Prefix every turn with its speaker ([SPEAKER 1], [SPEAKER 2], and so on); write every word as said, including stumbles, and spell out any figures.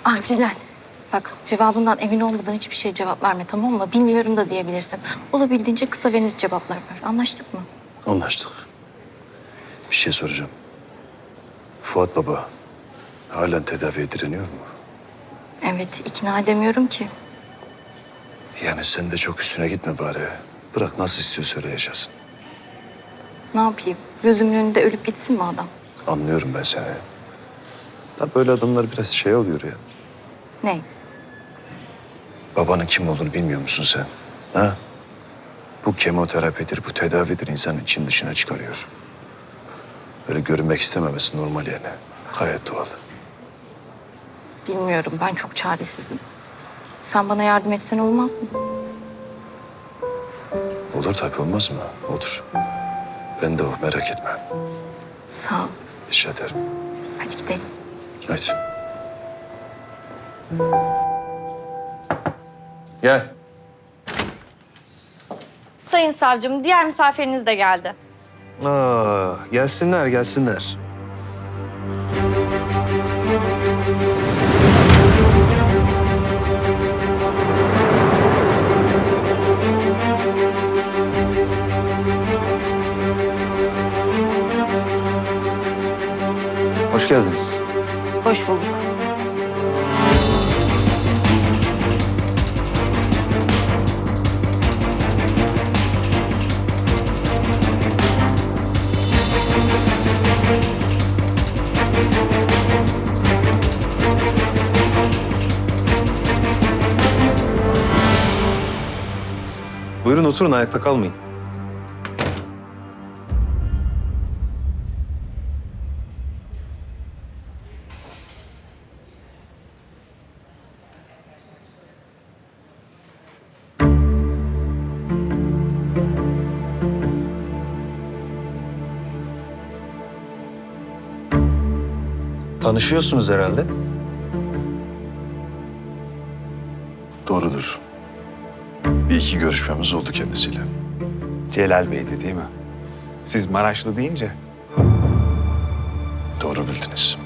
[SPEAKER 1] Ah Celal, bak cevabından emin olmadan hiçbir şey cevap verme, tamam mı? Bilmiyorum da diyebilirsin. Olabildiğince kısa ve net cevaplar ver. Anlaştık mı?
[SPEAKER 2] Anlaştık. Bir şey soracağım. Fuat Baba halen tedaviye direniyor mu?
[SPEAKER 1] Evet, ikna edemiyorum ki.
[SPEAKER 2] Yani sen de çok üstüne gitme bari. Bırak nasıl istiyorsa öyle yaşasın.
[SPEAKER 1] Ne yapayım? Gözümün önünde ölüp gitsin mi adam?
[SPEAKER 2] Anlıyorum ben seni. Da böyle adamlar biraz şey oluyor ya.
[SPEAKER 1] Ne?
[SPEAKER 2] Babanın kim olduğunu bilmiyor musun sen? Ha? Bu kemoterapidir, bu tedavidir. İnsanın için dışına çıkarıyor. Böyle görünmek istememesi normal yani. Gayet doğal.
[SPEAKER 1] Bilmiyorum, ben çok çaresizim. Sen bana yardım etsen olmaz mı?
[SPEAKER 2] Olur tabii, olmaz mı? Olur. Ben de o, merak etme.
[SPEAKER 1] Sağ ol.
[SPEAKER 2] Rica ederim.
[SPEAKER 1] Hadi gidelim.
[SPEAKER 2] Hadi.
[SPEAKER 3] Gel.
[SPEAKER 4] Sayın savcım, diğer misafiriniz de geldi.
[SPEAKER 3] Aa, gelsinler, gelsinler. Hoş geldiniz.
[SPEAKER 1] Hoş bulduk.
[SPEAKER 3] Buyurun oturun, ayakta kalmayın. Tanışıyorsunuz herhalde.
[SPEAKER 2] Doğrudur. Bir iki görüşmemiz oldu kendisiyle.
[SPEAKER 5] Celal Bey'di değil mi? Siz Maraşlı deyince
[SPEAKER 2] Doğru bildiniz.